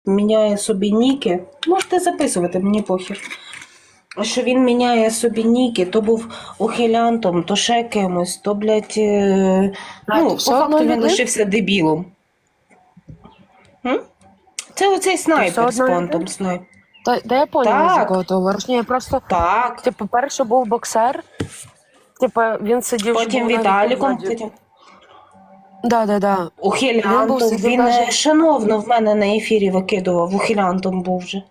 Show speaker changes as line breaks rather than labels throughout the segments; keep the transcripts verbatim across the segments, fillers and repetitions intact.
міняє собі ніки. Можете записувати, мені похер. Що він міняє собі ніки, то був ухилянтом, то ще кимось, то, блядь, е...
А,
ну,
то
по
все
факту
одно
він
людина?
лишився дебілом. М? Це оцей снайпер з
одно
понтом.
людина?
Снайп.
Та, та я поняла,
Так.
за кого ти говориш. Ні, я просто,
Так.
типу, перший був боксер, типу, він сидів, що
Потім
був навіть
Віталіком.
позаді.
Потім...
Да, да, да. Він був
Ухилянтом.
сидів
Він
даже-
е, шановно в мене на ефірі викидував. Ухилянтом був вже.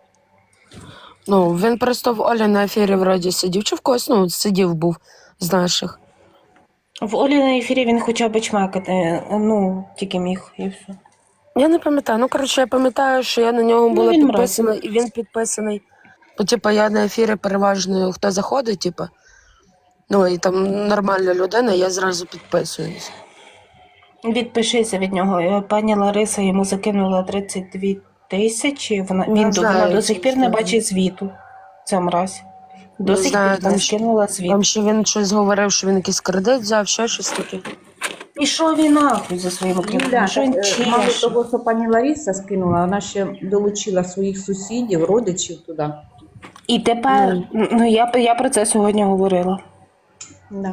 Ну, він просто в Олі на ефірі вроді сидів, чи в когось, ну, сидів був з наших.
В Олі на ефірі він хоча б чмекати, ну, тільки міг, і все.
Я не пам'ятаю. Ну, коротше, я пам'ятаю, що я на нього
Ну,
була
він
підписана, і він підписаний. Бо, типу, я на ефірі переважно, хто заходить, типу, ну, і там нормальна людина, я зразу підписуюсь.
Відпишися від нього. Е, Пані Лариса йому закинула тридцять дві тисячі. Вона,
Не
він, до-
знаю,
вона до
цю
сих пір не
історію.
бачить звіту. Ця мразь. До
Не
сих
знаю,
пір
там
не
ще-
скинула звіт.
Там ще він щось говорив, що він якийсь кредит взяв, ще щось таке.
І що він нахуй за своїми
Юля,
кредитами? Що він
так, е, мало
чеше?
того, що пані Лариса скинула, вона ще долучила своїх сусідів, родичів туди.
І тепер, ну я, я про це сьогодні говорила.
Да.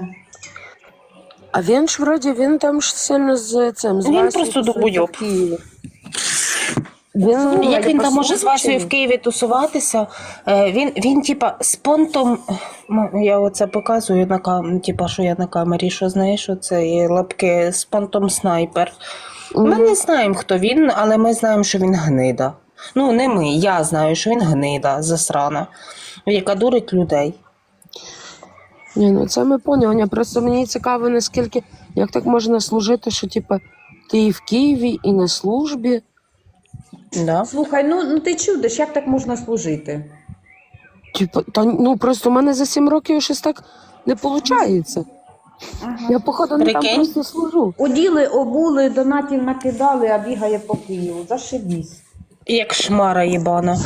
А він ж вроді, він там ж сильно з цим, з
Він
Васею
просто
тусується
долбойоб.
в Києві. Він,
Як він там може з
послухав,
Васею
чи
в Києві тусуватися? Е, Він, він типа, з понтом, м, я оце показую на кам, типа, що я на камері, що знаєш, що це є лапки з понтом снайпер. Ми
Мгм.
не знаємо, хто він, але ми знаємо, що він гнида. Ну, не ми, я знаю, що він гнида, засрана, яка дурить людей.
Ні, ну це ми поняли. Просто мені цікаво, наскільки, як так можна служити, що типа ти і в Києві, і на службі.
Да?
Слухай, ну, ну ти чудиш, як так можна служити?
Типа, та ну просто в мене за сім років щось так не виходить. Я, походу, не там
Прикинь.
просто служу.
Оділи, обули, донатів накидали, а бігає по Києву. Зашибісь.
Як шмара їбана.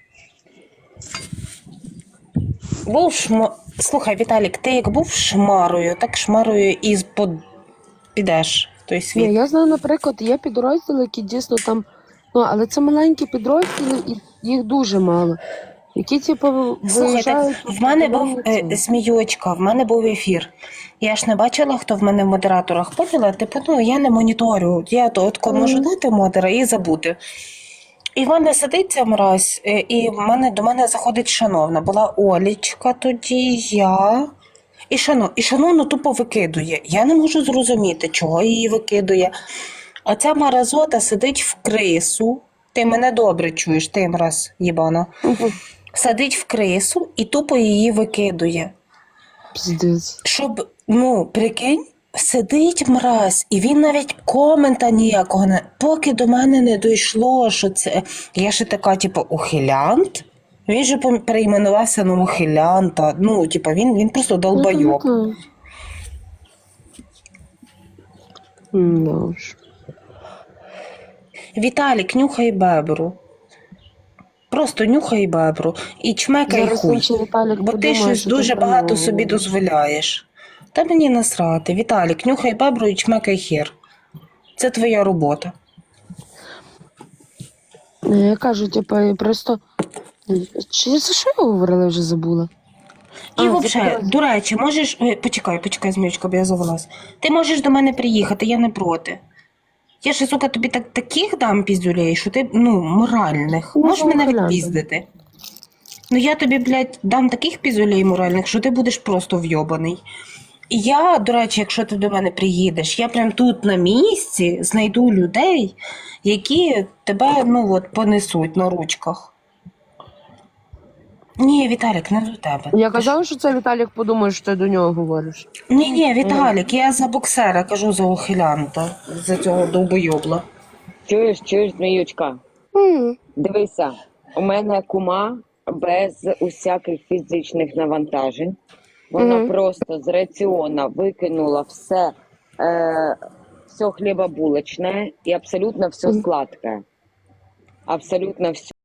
Був шма... Слухай, Віталік, ти як був шмарою, так шмарою і под... підеш в той світ.
Ні, я знаю, наприклад, є підрозділи, які дійсно там, ну, але це маленькі підрозділи, і їх дуже мало. Які, типу,
Слухайте,
виїжджають...
в мене був
е,
е, сміючка, в мене був ефір. Я ж не бачила, хто в мене в модераторах. Поняла? Типу, ну я не моніторю. Я то от кому можу дати модера і забути. І в мене сидить ця мразь, е, і в мене, до мене заходить шановна. Була Олічка тоді, я. І, шано, і шановно тупо викидує. Я не можу зрозуміти, чого її викидує. А ця маразота сидить в крису. Ти мене добре чуєш, ти мраз, їбана.
Мгм.
Сидить в крису і тупо її викидує.
Піздець.
Щоб, ну, прикинь, сидить мразь, і він навіть комента ніякого не. Поки до мене не дійшло, що це. Я ще така, типу, ухилянт. Він же пом- перейменувався на ухилянта. Ну, типу, він, він просто долбойоб.
Ну, да уж.
Віталік, нюхай бебру. Просто нюхай бебру і чмекай
Зараз
хуй.
інший Віталік
Бо ти
подумає,
щось
що ти
дуже
про
багато
нього
собі
говориш.
дозволяєш. Та мені насрати. Віталік, нюхай бебру і чмекай хер. Це твоя робота.
Ні, я кажу, типу, і просто... Чи за що я говорила, я вже забула?
І
А,
взагалі,
це-
до речі, можеш. Ой, почекай, почекай, зміючка, бо я завелась. Ти можеш до мене приїхати, я не проти. Я ж, сука, тобі так, таких дам піздюлей, що ти, ну, моральних.
Ну,
Можеш мене
ухилянтом.
відпіздити. Ну я тобі, блядь, дам таких піздюлей моральних, що ти будеш просто вйобаний. І я, до речі, якщо ти до мене приїдеш, я прям тут на місці знайду людей, які тебе, ну от, понесуть на ручках. Ні, Віталік, не до тебе.
Я
Ти
казала, що це Віталік подумає, що ти до нього говориш.
Ні, ні, Віталік, я за боксера кажу за ухилянта, за цього довбойобла.
Чуєш, чуєш, зміючка?
М.
Дивися, у мене кума без усяких фізичних навантажень. Вона
Мгм.
просто з раціона викинула все, е, все хлібобулочне і абсолютно все
Мгм.
сладке. Абсолютно все.